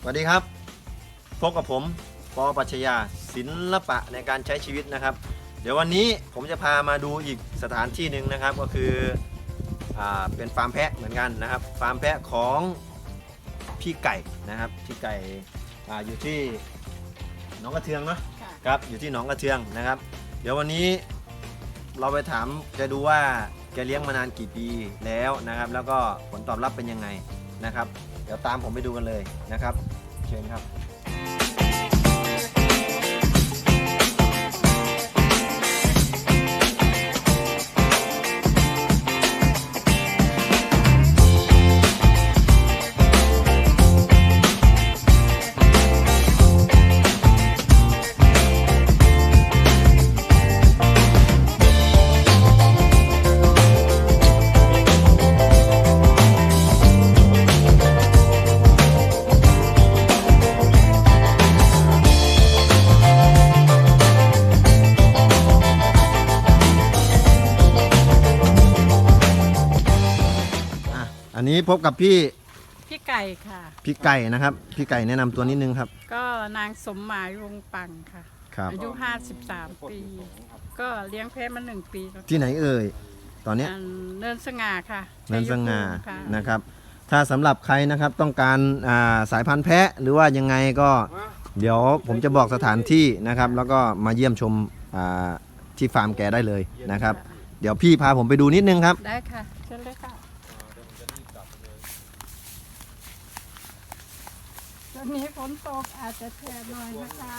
วัสดีครับพบกับผมปปัชญาศิลปะในการใช้ชีวิตนะครับเดี๋ยววันนี้ผมจะพามาดูอีกสถานที่หนึ่งนะครับก็คือเป็นฟาร์มแพะเหมือนกันนะครับฟาร์มแพะของพี่ไก่นะครับพี่ไก่อยู่ที่หนองกระเทืองเนาะครับอยู่ที่หนองกระเทืองนะครับ เดี๋ยววันนี้เราไปถามแกดูว่าแกเลี้ยงมานานกี่ปีแล้วนะครับแล้วก็ผลตอบรับเป็นยังไงนะครับเดี๋ยวตามผมไปดูกันเลยนะครับเชิญครับอันนี้พบกับพี่ไก่ค่ะพี่ไก่นะครับพี่ไก่แนะนำตัวนิดนึงครับก็นางสมหมายวงปังค่ะครับอายุ53 ปีก็เลี้ยงแพะมา1 ปีแล้วที่ไหนเอ่ยตอนนี้เนินสง่าค่ะเนินสง่านะครับถ้าสำหรับใครนะครับต้องการสายพันธุ์แพะหรือว่ายังไงก็เดี๋ยวผมจะบอกสถานที่นะครับแล้วก็มาเยี่ยมชมที่ฟาร์มแกได้เลยนะครับเดี๋ยวพี่พาผมไปดูนิดนึงครับได้ค่ะเชิญเลยค่ะตอนนี้ฝนตกอาจจะแฉะหน่อยนะคะ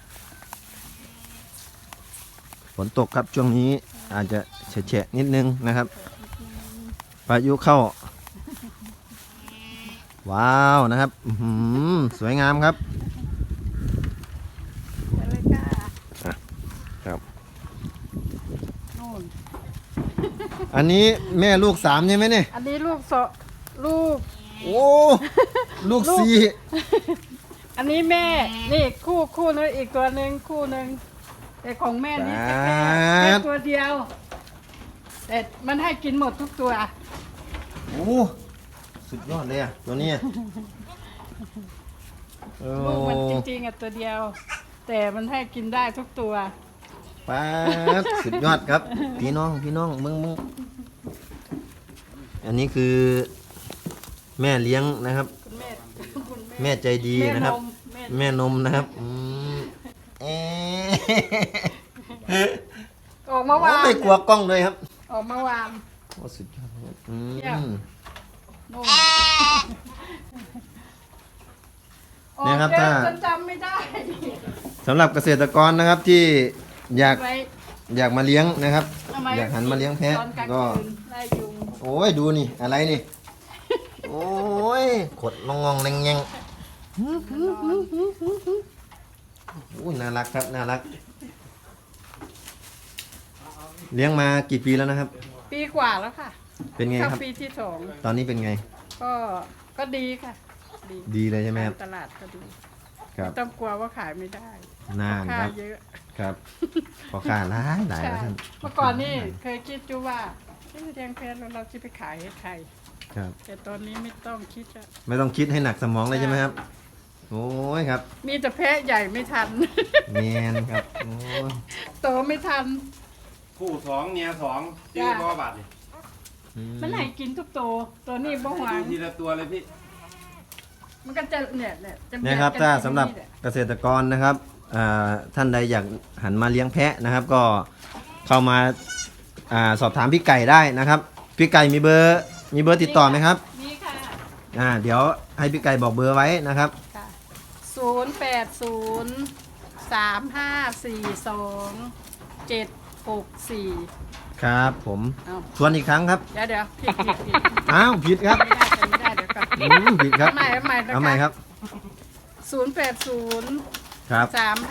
ฝนตกครับช่วงนี้อาจจะแฉะนิดนึงนะครับพายุเข้าว้าวนะครับสวยงามครับเลยค่ะครับอันนี้แม่ลูก3ใช่ไหมเนี่ยอันนี้ลูกลูกโอ้ลูก4 อันนี้แม่นี่คู่นึงอีกตัวหนึ่งคู่หนึ่งแต่ของแม่นี่แค่ตัวเดียวแต่มันให้กินหมดทุกตัวโอ้สุดยอดเลยอ่ะตัวนี้ลูกมันจริงๆตัวเดียว แต่มันให้กินได้ทุกตัวป๊าดสุดยอดครับพี่น้องมึงอันนี้คือแม่เลี้ยงนะครับแม่ใจดีนะครับแม่นมนะครับออกมาวางไม่กลัวกล้องเลยครับออกมาวางโอ้สุดยอดเนี่ยครับถ้าจำไม่ได้สำหรับเกษตรกรนะครับที่อยากมาเลี้ยงนะครับอยากหันมาเลี้ยงแพะก็โอ้ยดูนี่อะไรนี่โอ้ยขดงงแงงโอ้ยน่ารักครับน่ารักเลี้ยงมากี่ปีแล้วนะครับปีกว่าแล้วค่ะเป็นไงครับปีที่2 ตอนนี้เป็นไงก็ดีค่ะดีเลยใช่ไหมครับตลาดก็ดีครับต้องกลัวว่าขายไม่ได้น่าครับเยอะครับพอค่าหลายแล้วท่านเมื่อก่อนนี่เคยคิดอยู่ว่าเลี้ยงแพะเราจะไปขายให้ใครครับแต่ตอนนี้ไม่ต้องคิดอะไม่ต้องคิดให้หนักสมองเลยใช่ไหมครับโอ้ยครับมีแต่แพะใหญ่ไม่ทันแมนครับโอ้โตไม่ทันคู่2เมีย2ชื่อพ่อบาทนี่มันไหนกินทุกตัวนี้บ่หวานทีละตัวเลยพี่มันก็จะเนี่ยครับถ้าสำหรับเกษตรกรนะครับท่านใดอยากหันมาเลี้ยงแพะนะครับก็เข้ามาสอบถามพี่ไก่ได้นะครับพี่ไก่มีเบอร์ติดต่อไหมครับมีค่ะเดี๋ยวให้พี่ไก่บอกเบอร์ไว้นะครับ 0803542764 ครับผมทวนอีกครั้งครับเดี๋ยวผิดอ้าวผิดครับไม่ได้เดี๋ยวก่อนผิดครับเอาใหม่ครับ080 ครับ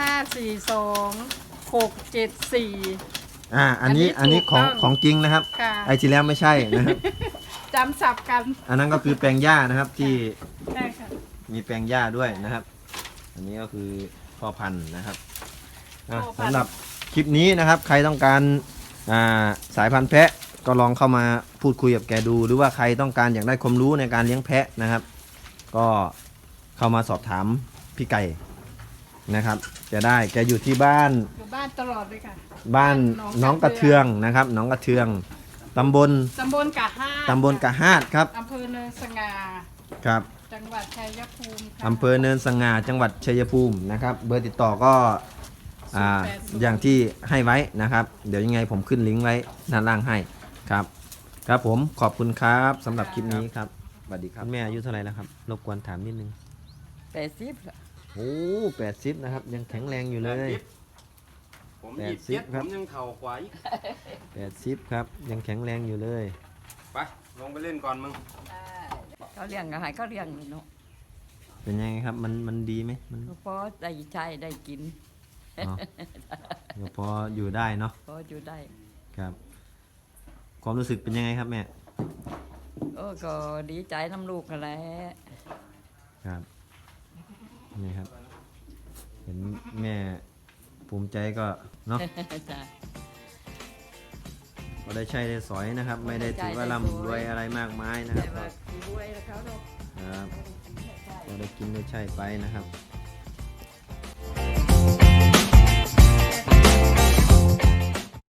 3542 674 อันนี้ของจริงนะครับไอที่แล้วไม่ใช่นะครับจำสับกันอันนั้นก็คือแปลงหญ้านะครับที่ได้ค่ะมีแปลงหญ้าด้วยนะครับอันนี้ก็คือพ่อพันธุ์นะครับสำหรับคลิปนี้นะครับใครต้องการสายพันธุ์แพะ ก็ลองเข้ามาพูดคุยกับแกดูหรือว่าใครต้องการอยากได้ความรู้ในการเลี้ยงแพะนะครับก็เข้ามาสอบถามพี่ไก่นะครับจะได้แกอยู่ที่บ้านอยู่บ้านตลอดเลยค่ะบ้านน้องกระเทืองนะครับน้องกระเทืองตำบลตำบลกะห้าตำบลกะฮาดครับอำเภอเนินสง่าครับจังหวัดชัยภูมิค่ะอำเภอเนินสง่าจังหวัดชัยภูมินะครับเบอร์ติดต่อก็อย่างที่ให้ไว้นะครับ เดี๋ยวยังไงผมขึ้นลิงก์ไว้ด้านล่างให้ครับ ครับผมขอบคุณครับสำหรับคลิปนี้ครับสวัสดีครับคุณแม่อายุเท่าไหร่แล้วครับรบกวนถามนิดนึง 80ละโอ้80นะครับยังแข็งแรงอยู่เลยผมแปดยี่สิสิบบ ครับผมยังเข่ากว่าอีก 80ครับยังแข็งแรงอยู่เลยไปลงไปเล่นก่อนมึงเขาเลี้ยงอาหารเขาเลี้ยงเนาะเป็นยังไงครับมันดีไหมมันพอได้ใช้ได้กินอ๋อเดี๋ยวพออยู่ได้เนาะพออยู่ได้ครับ ความรู้สึกเป็นยังไงครับแม่ก็ดีใจน้ำลูกกันแหละครับนี่ครับ เห็นแม่ภูมิใจก็เนาะจ้ะก็ได้ใช้ได้สอยนะครับ ไม่ได้ถือว่าร่ำรวยอะไรมากมายนะคแต่รับว่ารวยแล้วเขาเนาะครับก็ได้กินได้ใช้ไปนะครับเ